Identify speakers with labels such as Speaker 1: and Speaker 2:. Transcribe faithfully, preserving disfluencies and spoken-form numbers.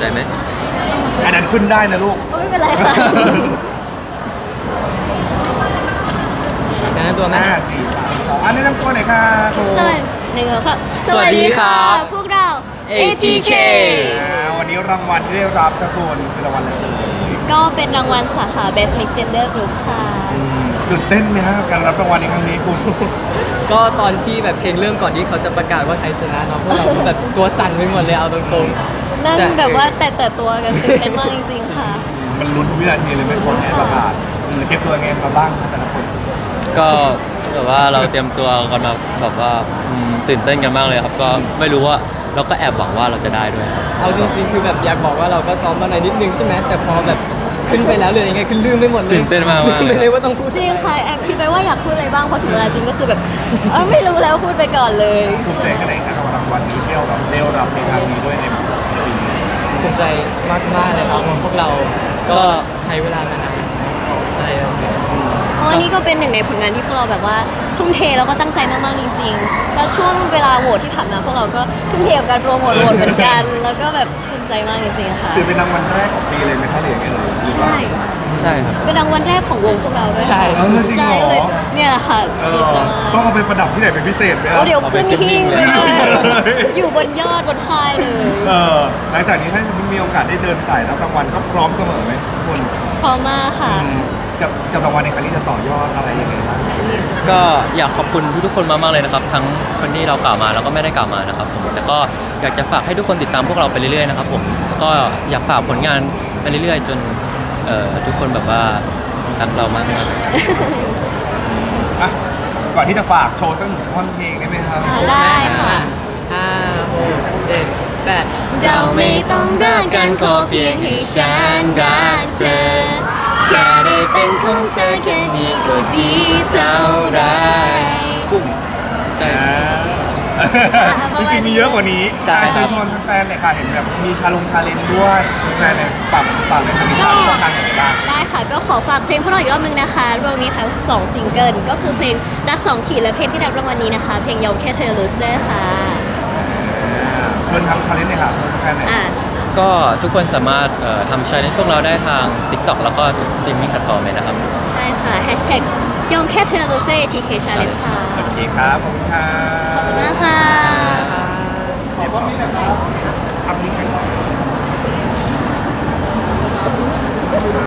Speaker 1: ไหม
Speaker 2: อันนั้นขึ้นได้นะลูก
Speaker 3: ไม่เป็นไรค่ะ
Speaker 1: แนะนำตัวไหม
Speaker 2: ห้าสี่สามสองอันนี้นำตัวหน่อยค่ะ
Speaker 3: สวัสดีหนึ่งครับ
Speaker 1: สวัสดีครับ
Speaker 3: พวกเรา
Speaker 1: เอ ที เค
Speaker 2: วันนี้รางวัลที่ได้รับกระตูนคือรางวัลอะไรเอ่ย
Speaker 3: ก็เป็นรางวัลสาขา Best Mixed Gender Group ค่ะ
Speaker 2: ตื่นเต้นไหมฮะการรับรางวัลในครั้งนี้คุณ
Speaker 1: ก็ตอนที่แบบเพลงเริ่มก่อนที่เขาจะประกาศว่าใครชนะเนาะพวกเราแบบตัวสั่นไปหมดเลยเอาตรง
Speaker 3: ๆนั่นแบบว่าแต่แต่ตัวกันตื่นเต้นมากจริงๆค่ะ
Speaker 2: มันลุ้นทุกวินาทีเลยไม่คนให้ประกาศเก็บตัวไงมาบ้างแต่ละคน
Speaker 4: ก็แบบว่าเราเตรียมตัวกันมาแบบว่าตื่นเต้นกันมากเลยครับก็ไม่รู้ว่าเราก็แอบหวังว่าเราจะได้ด้วย
Speaker 1: เอาจริงๆคือแบบอยากบอกว่าเราก็ซ้อมมาหน่อยนิดนึงใช่ไหมแต่พอแบบขึ้นไปแล้วเลยยังไงคือลืมไปหมดเลย
Speaker 4: ตื่นเต้นมาก
Speaker 1: ลืมไปเลยว่าต้องพูด
Speaker 3: จริงค่ะแอบคิดไปว่าอยากพูดอะไรบ้างพอถึงเวลาจริงก็คือแบบเออไม่รู้แล้วพูดไปก่อนเลย
Speaker 2: ภูมิใจขนาดไหนครับรางวัลนี้เที่ยวแบบเร็วรับในครั้งนี้ด้วยในปีนี้
Speaker 1: ภูมิใจมากๆเลยครับพวกเราก็ใช้เวลามานานซ้อมได้แล้ว
Speaker 3: เพราะนี่ก็เป็นหนึ่งในผลงานที่พวกเราแบบว่าทุ่มเทแล้วก็ตั้งใจมากๆจริงๆแล้วช่วงเวลาโหวตที่ผ่านมาพวกเราก็ทุ่มเทกับการโปรโมทโหวตเหมือนกันแล้วก็แบบภูมิใจมากจริงๆค่ะ
Speaker 2: ถือเป็นรางวัลแรกของปีเลยไหมคะหรือยังไงเลย
Speaker 3: ใช่
Speaker 4: ใช่ครับ
Speaker 3: เป็นรางวัลแรกของวงพวกเราด้วย
Speaker 1: ใช่
Speaker 3: ใช่เลยเนี่ยค่ะดีใจมาก
Speaker 2: ต้องเอาไปประดับที่ไหนเป็นพิเศษไหม
Speaker 3: เดี๋ยวขึ้นหิ้งเลยอยู่บนยอดบนค่ายเลย
Speaker 2: เออหลังจากนี้ถ้ามีโอกาสได้เดินสายรับรางวัลก็พร้อมเสมอไหมทุกคน
Speaker 3: พร้อมมากค่ะ
Speaker 2: กับกับรางวัลในครั้งนี้จะต่อยอดอะไรยังไงบ้าง
Speaker 4: ก็อยากขอบคุณทุกๆคนมากๆเลยนะครับทั้งคนที่เรากล่าวมาแล้วก็ไม่ได้กล่าวมานะครับผมแต่ก็อยากจะฝากให้ทุกคนติดตามพวกเราไปเรื่อยๆนะครับผมก็อยากฝากผลงานไปเรื่อยๆจนเอ่อทุกคนแบบว่ารักเรามากๆ
Speaker 2: อ่ะก่อนที่จะฝากโชว์สักหนึ่งท่อนเพลงได้ไหมครับ
Speaker 3: ได้ค่ะ
Speaker 1: ห้าหกเจ็ดแปด
Speaker 3: เราไม่ต้องรักกันขอเพียงให้ฉันรักเธอแค่ได้เป็นของเธอแค่นี้ก็ดีเท่าไร
Speaker 4: ปุ่มใจ
Speaker 2: จริงๆมีเยอะกว่านี้ใช่เชิญชวนแฟนๆเลยค่ะเห็นแบบมีชาลงชาเลนจ์ด้วยแฟนๆเนี่ยปรับปรับในทางนี้ช่องทางไหนบ้าง
Speaker 3: ได้ค่ะก็ขอฝากเพลงพวกเราอีกรอบนึงนะคะรวมมีทั้งสองซิงเกิลก็คือเพลงรักสองขีดและเพลงที่ได้รางวัลนี้นะคะเพลงยอมแค่เธอ Loser ค่ะ
Speaker 2: ชวนทำชาเลนจ์เลยค่ะแฟนๆ
Speaker 4: ก็ทุกคนสามารถทำชาเลนจ์พวกเราได้ทาง TikTok แล้วก็ทุกสตรีมมิ่งแพลตฟอร์มเลยนะครับ
Speaker 3: ใช่ค่ะ แฮชแท็ก ยอมแค่เธอ Loser ที เค Challenge ค่ะ
Speaker 2: โอเคครับขอบคุณค่ะ
Speaker 3: ขอบคุณมากค่ะ
Speaker 2: ขอบคุณนี่นะครับทำนี้กัน